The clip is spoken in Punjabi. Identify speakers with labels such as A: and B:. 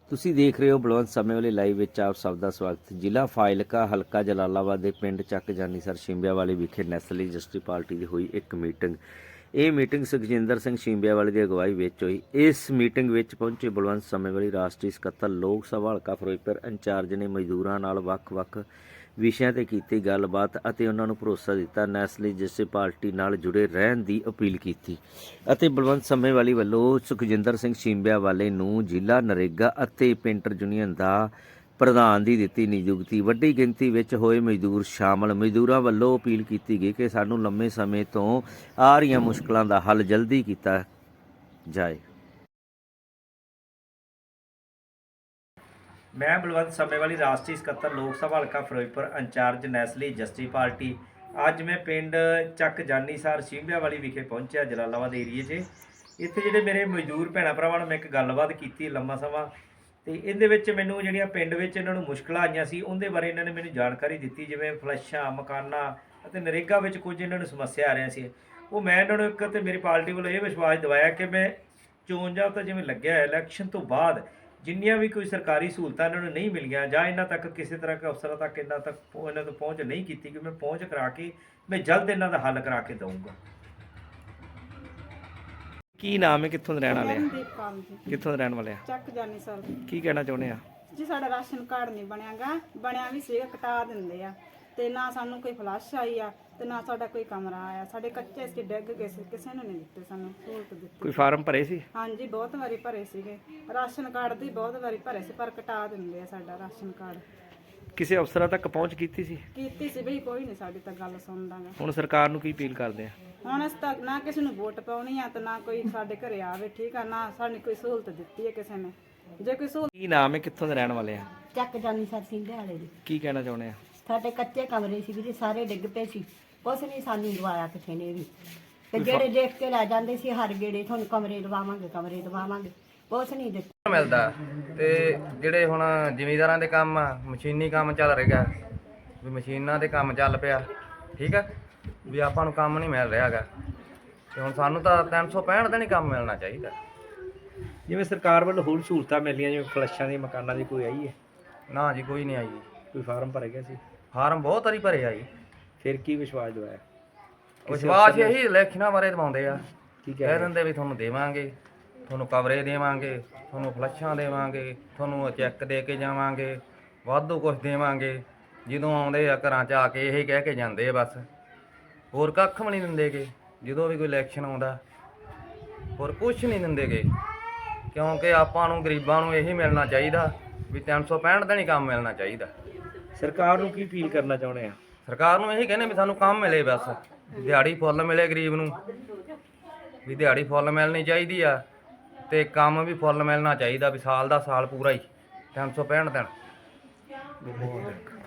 A: ਤੁਸੀਂ ਦੇਖ ਰਹੇ ਹੋ ਬਲਵੰਤ ਸਮੇਂ ਵਾਲੇ ਲਾਈਵ ਵਿੱਚ ਆਪ ਸਭ ਦਾ ਸਵਾਗਤ। ਜ਼ਿਲ੍ਹਾ ਫਾਜ਼ਿਲਕਾ ਹਲਕਾ ਜਲਾਲਾਬਾਦ ਦੇ ਪਿੰਡ ਚੱਕ ਜਾਨੀਸਰ ਸ਼ਿੰਬਿਆਵਾਲੀ ਵਿਖੇ ਨੈਸ਼ਨਲ ਰਜਿਸਟਰੀ ਪਾਰਟੀ ਦੀ ਹੋਈ ਇੱਕ ਮੀਟਿੰਗ। ਇਹ ਮੀਟਿੰਗ ਸੁਖਜਿੰਦਰ ਸਿੰਘ ਸ਼ਿੰਬਿਆਵਾਲੀ ਦੀ ਅਗਵਾਈ ਵਿੱਚ ਹੋਈ। ਇਸ ਮੀਟਿੰਗ ਵਿੱਚ ਪਹੁੰਚੇ ਬਲਵੰਤ ਸਮੇਂ ਵਾਲੀ ਰਾਸ਼ਟਰੀ ਸਕੱਤਰ ਲੋਕ ਸਭਾ ਹਲਕਾ ਫਿਰੋਜ਼ਪੁਰ ਇੰਚਾਰਜ ਨੇ ਮਜ਼ਦੂਰਾਂ ਨਾਲ ਵੱਖ-ਵੱਖ ਵਿਸ਼ਿਆਂ ਤੇ ਕੀਤੀ ਗੱਲਬਾਤ ਅਤੇ ਉਹਨਾਂ ਨੂੰ ਭਰੋਸਾ ਦਿੱਤਾ, ਨੈਸ਼ਨਲ ਰਜਿਸਟਰੀ ਪਾਰਟੀ ਨਾਲ ਜੁੜੇ ਰਹਿਣ ਦੀ ਅਪੀਲ ਕੀਤੀ ਅਤੇ ਬਲਵੰਤ ਸਮੇਵਾਲੀ ਵੱਲੋਂ ਸੁਖਜਿੰਦਰ ਸਿੰਘ ਸ਼ਿੰਬਿਆਵਾਲੇ ਨੂੰ ਜ਼ਿਲ੍ਹਾ ਨਰੇਗਾ ਅਤੇ ਪੇਂਟਰ ਯੂਨੀਅਨ ਦਾ ਪ੍ਰਧਾਨ ਦੀ ਦਿੱਤੀ ਨਿਯੁਕਤੀ। ਵੱਡੀ ਗਿਣਤੀ ਵਿੱਚ ਹੋਏ ਮਜ਼ਦੂਰ ਸ਼ਾਮਲ। ਮਜ਼ਦੂਰਾਂ ਵੱਲੋਂ ਅਪੀਲ ਕੀਤੀ ਗਈ ਕਿ ਸਾਨੂੰ ਲੰਮੇ ਸਮੇਂ ਤੋਂ ਆ ਰਹੀਆਂ ਮੁਸ਼ਕਲਾਂ ਦਾ ਹੱਲ ਜਲਦੀ ਕੀਤਾ ਜਾਏ। ਮੈਂ ਬਲਵੰਤ ਸਮੇਵਾਲੀ ਰਾਸ਼ਟਰੀ ਸਕੱਤਰ ਲੋਕ ਸਭਾ ਹਲਕਾ Ferozepur incharge national registry party. ਅੱਜ ਮੈਂ ਪਿੰਡ ਚੱਕ ਜਾਨੀਸਰ ਸ਼ਿੰਬਿਆਵਾਲੀ ਵਿਖੇ ਪਹੁੰਚਿਆ ਜਲਾਲਾਬਾਦ ਏਰੀਏ 'ਚ। ਇੱਥੇ ਜਿਹੜੇ ਮੇਰੇ ਮਜ਼ਦੂਰ ਭੈਣਾਂ ਭਰਾਵਾਂ ਨਾਲ ਮੈਂ ਇੱਕ ਗੱਲਬਾਤ ਕੀਤੀ ਲੰਮਾ ਸਮਾਂ, ਤੇ ਇਹਦੇ ਵਿੱਚ ਮੈਨੂੰ ਜਿਹੜੀਆਂ ਪਿੰਡ ਵਿੱਚ ਇਹਨਾਂ ਨੂੰ ਮੁਸ਼ਕਲਾਂ ਆਈਆਂ ਸੀ ਉਹਦੇ ਬਾਰੇ ਇਹਨਾਂ ਨੇ ਮੈਨੂੰ ਜਾਣਕਾਰੀ ਦਿੱਤੀ, ਜਿਵੇਂ ਫਲੈਸ਼ਾਂ, ਮਕਾਨਾਂ ਅਤੇ ਨਰੇਗਾ ਵਿੱਚ ਕੁਝ ਇਹਨਾਂ ਨੂੰ ਸਮੱਸਿਆ ਆ ਰਹੀਆਂ ਸੀ। ਉਹ ਮੈਂ ਇਹਨਾਂ ਨੂੰ ਇੱਕ ਤੇ ਮੇਰੀ ਪਾਰਟੀ ਵੱਲੋਂ ਇਹ ਵਿਸ਼ਵਾਸ ਦਿਵਾਇਆ ਕਿ ਮੈਂ ਚੋਣ ਜਾਬਤਾ ਜਿਵੇਂ ਲੱਗਿਆ ਇਲੈਕਸ਼ਨ ਤੋਂ ਬਾਅਦ ਜਿੰਨੀਆਂ ਵੀ ਕੋਈ ਸਰਕਾਰੀ ਸਹੂਲਤਾਂ ਇਹਨਾਂ ਨੂੰ ਨਹੀਂ ਮਿਲੀਆਂ ਜਾਂ ਇਹਨਾਂ ਤੱਕ ਕਿਸੇ ਤਰ੍ਹਾਂ ਦੇ ਅਫਸਰਾਂ ਤੱਕ ਇਹਨਾਂ ਤੋਂ ਪਹੁੰਚ ਨਹੀਂ ਕੀਤੀ, ਕਿ ਮੈਂ ਪਹੁੰਚ ਕਰਾ ਕੇ ਮੈਂ ਜਲਦ ਇਹਨਾਂ ਦਾ ਹੱਲ ਕਰਾ ਕੇ ਦਊਂਗਾ। ਕੀ ਨਾਮ ਹੈ, ਕਿੱਥੋਂ ਦੇ ਰਹਿਣ ਵਾਲੇ ਆ? ਕਿੱਥੋਂ ਦੇ ਰਹਿਣ ਵਾਲੇ ਆ?
B: ਚੱਕ ਜਾਨੀਸਰ।
A: ਕੀ ਕਹਿਣਾ ਚਾਹੁੰਦੇ ਆ?
B: ਜੀ ਸਾਡਾ ਰਾਸ਼ਨ ਕਾਰਡ ਨਹੀਂ ਬਣਿਆਗਾ, ਬਣਿਆ ਵੀ ਸੀਗਾ, ਕਟਾ ਦਿੰਦੇ ਆ ਤੇ ਨਾ ਸਾਨੂੰ ਕੋਈ ਫਲਸ਼ ਆਈ ਆ ਤੇ ਨਾ ਸਾਡਾ ਕੋਈ ਕਮਰਾ ਆਇਆ। ਸਾਡੇ ਕੱਚੇ ਸੀ, ਡਿੱਗ ਗਏ ਸੀ, ਕਿਸੇ ਨੂੰ ਨਹੀਂ ਦਿੱਤੇ, ਸਾਨੂੰ ਸਹੂਲਤ ਦਿੱਤੀ।
A: ਕੋਈ ਫਾਰਮ ਭਰੇ ਸੀ?
B: ਹਾਂਜੀ, ਬਹੁਤ ਵਾਰੀ ਭਰੇ ਸੀਗੇ, ਰਾਸ਼ਨ ਕਾਰਡ ਦੀ ਬਹੁਤ ਵਾਰੀ ਭਰੇ ਸੀ, ਪਰ ਕਟਾ ਦਿੰਦੇ ਆ ਸਾਡਾ ਰਾਸ਼ਨ ਕਾਰਡ।
A: ਕਿਸੇ ਅਫਸਰਾਂ ਤੱਕ ਪਹੁੰਚ ਕੀਤੀ ਸੀ
B: ਬਈ ਕੋਈ ਨਹੀਂ ਸਾਡੀ ਤਾਂ ਗੱਲ ਸੁਣਦਾ ਗਾ।
A: ਹੁਣ ਸਰਕਾਰ ਨੂੰ ਕੀ ਅਪੀਲ ਕਰਦੇ ਆ?
B: ਹੁਣ ਅਸੀਂ ਤਾਂ ਨਾ ਕਿਸੇ ਨੂੰ ਵੋਟ ਪਾਉਣੀ ਆ ਤੇ ਨਾ ਕੋਈ ਸਾਡੇ ਘਰੇ ਆਵੇ, ਠੀਕ ਆ, ਨਾ ਸਾਨੂੰ ਕੋਈ ਸਹੂਲਤ ਦਿੱਤੀ ਹੈ ਕਿਸੇ ਨੇ। ਜੇ ਕੋਈ ਸਹੂਲਤ।
A: ਕੀ ਨਾਮ ਹੈ, ਕਿੱਥੋਂ ਦੇ ਰਹਿਣ ਵਾਲੇ ਆ?
C: ਚੱਕ ਜਾਨੀਸਰ ਸ਼ਿੰਬਿਆਵਾਲੇ ਦੀ।
A: ਕੀ ਕਹਿਣਾ ਚਾਹੁੰਦੇ ਆ?
C: ਸਾਡੇ ਕੱਚੇ ਕਮਰੇ ਸੀ ਵੀਰੇ, ਸਾਰੇ ਡਿੱਗ ਪਏ ਸੀ, ਕੁਛ ਨਹੀਂ ਸਾਨੂੰ ਦਵਾਇਆ ਕਿਸੇ ਨੇ ਵੀ। ਤੇ ਜਿਹੜੇ ਦੇਖ ਕੇ ਲੈ ਜਾਂਦੇ ਸੀ ਹਰ ਗੇੜੇ, ਤੁਹਾਨੂੰ ਕਮਰੇ ਦਵਾਵਾਂਗੇ, ਕਮਰੇ ਦਵਾਵਾਂਗੇ, ਕੁਛ ਨਹੀਂ ਦਿੱਤਾ
D: ਮਿਲਦਾ। ਤੇ ਜਿਹੜੇ ਹੁਣ ਜ਼ਿਮੀਂਦਾਰਾਂ ਦੇ ਕੰਮ ਆ, ਮਸ਼ੀਨੀ ਕੰਮ ਚੱਲ ਰਿਹਾ ਵੀ ਮਸ਼ੀਨਾਂ ਦੇ ਕੰਮ ਚੱਲ ਪਿਆ, ਠੀਕ ਆ, ਵੀ ਆਪਾਂ ਨੂੰ ਕੰਮ ਨਹੀਂ ਮਿਲ ਰਿਹਾ ਹੈਗਾ। ਤੇ ਹੁਣ ਸਾਨੂੰ ਤਾਂ 365 ਦਿਨ ਹੀ ਕੰਮ ਮਿਲਣਾ ਚਾਹੀਦਾ।
A: ਜਿਵੇਂ ਸਰਕਾਰ ਵੱਲੋਂ ਹੋਰ ਸਹੂਲਤਾਂ ਮਿਲੀਆਂ, ਜਿਵੇਂ ਫਲੈਸ਼ਾਂ ਦੀ, ਮਕਾਨਾਂ ਦੀ, ਕੋਈ ਆਈ ਹੈ?
D: ਨਾ ਜੀ, ਕੋਈ ਨਹੀਂ ਆਈ ਜੀ।
A: ਕੋਈ ਫਾਰਮ ਭਰੇ ਗਿਆ ਸੀ?
D: ਫਾਰਮ ਬਹੁਤ ਵਾਰੀ ਭਰੇ ਆ ਜੀ।
A: ਫਿਰ ਕੀ ਵਿਸ਼ਵਾਸ ਦਵਾਇਆ?
D: ਵਿਸ਼ਵਾਸ ਇਹੀ ਇਲੈਕਸ਼ਨਾਂ ਬਾਰੇ ਦਵਾਉਂਦੇ ਆ,
A: ਕੀ
D: ਕਹਿ ਦਿੰਦੇ ਵੀ ਤੁਹਾਨੂੰ ਦੇਵਾਂਗੇ, ਤੁਹਾਨੂੰ ਕਵਰੇ ਦੇਵਾਂਗੇ, ਤੁਹਾਨੂੰ ਫਲੱਸ਼ਾਂ ਦੇਵਾਂਗੇ, ਤੁਹਾਨੂੰ ਚੈੱਕ ਦੇ ਕੇ ਜਾਵਾਂਗੇ, ਵਾਧੂ ਕੁਝ ਦੇਵਾਂਗੇ। ਜਦੋਂ ਆਉਂਦੇ ਆ ਘਰਾਂ 'ਚ ਆ ਕੇ ਇਹੀ ਕਹਿ ਕੇ ਜਾਂਦੇ ਆ ਬਸ, ਹੋਰ ਕੱਖ ਵੀ ਨਹੀਂ ਦਿੰਦੇਗੇ। ਜਦੋਂ ਵੀ ਕੋਈ ਇਲੈਕਸ਼ਨ ਆਉਂਦਾ ਹੋਰ ਕੁਛ ਨਹੀਂ ਦਿੰਦੇਗੇ, ਕਿਉਂਕਿ ਆਪਾਂ ਨੂੰ ਗਰੀਬਾਂ ਨੂੰ ਇਹੀ ਮਿਲਣਾ ਚਾਹੀਦਾ ਵੀ 365 ਦਿਨ ਹੀ ਕੰਮ ਮਿਲਣਾ ਚਾਹੀਦਾ।
A: ਸਰਕਾਰ ਨੂੰ ਕੀ ਅਪੀਲ ਕਰਨਾ ਚਾਹੁੰਦੇ ਆ?
D: ਸਰਕਾਰ ਨੂੰ ਇਹੀ ਕਹਿੰਦੇ ਵੀ ਸਾਨੂੰ ਕੰਮ ਮਿਲੇ, ਬਸ ਦਿਹਾੜੀ ਫੁੱਲ ਮਿਲੇ ਗਰੀਬ ਨੂੰ, ਵੀ ਦਿਹਾੜੀ ਫੁੱਲ ਮਿਲਣੀ ਚਾਹੀਦੀ ਆ ਤੇ ਕੰਮ ਵੀ ਫੁੱਲ ਮਿਲਣਾ ਚਾਹੀਦਾ, ਵੀ ਸਾਲ ਦਾ ਸਾਲ ਪੂਰਾ ਹੀ 365 ਦਿਨ।